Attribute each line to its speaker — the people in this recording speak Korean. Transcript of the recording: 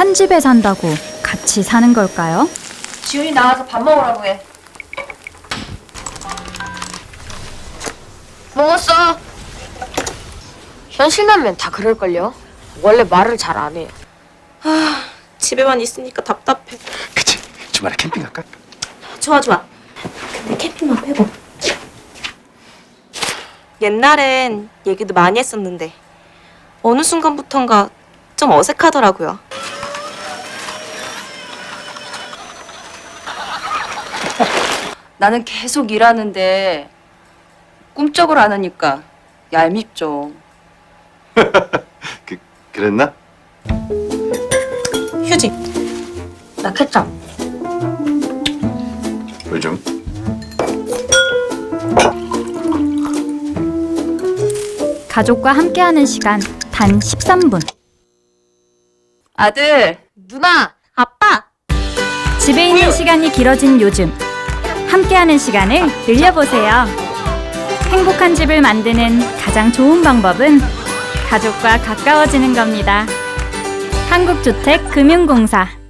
Speaker 1: 한 집에 산다고 같이 사는 걸까요?
Speaker 2: 지훈이 나와서 밥 먹으라고 해. 먹었어. 현실남면 다 그럴걸요? 원래 말을 잘 안 해요.
Speaker 3: 집에만 있으니까 답답해.
Speaker 4: 그치? 주말에 캠핑 갈까?
Speaker 3: 좋아. 근데 캠핑만 빼고. 옛날엔 얘기도 많이 했었는데 어느 순간부턴가 좀 어색하더라고요.
Speaker 2: 나는 계속 일하는데 꿈쩍을 안 하니까 얄밉죠.
Speaker 4: 그랬나?
Speaker 3: 휴지.
Speaker 2: 나 케첩.
Speaker 4: 요즘?
Speaker 1: 가족과 함께하는 시간 단 13분.
Speaker 2: 아들, 누나,
Speaker 3: 아빠!
Speaker 1: 집에 있는 시간이 길어진 요즘. 함께하는 시간을 늘려보세요. 행복한 집을 만드는 가장 좋은 방법은 가족과 가까워지는 겁니다. 한국주택금융공사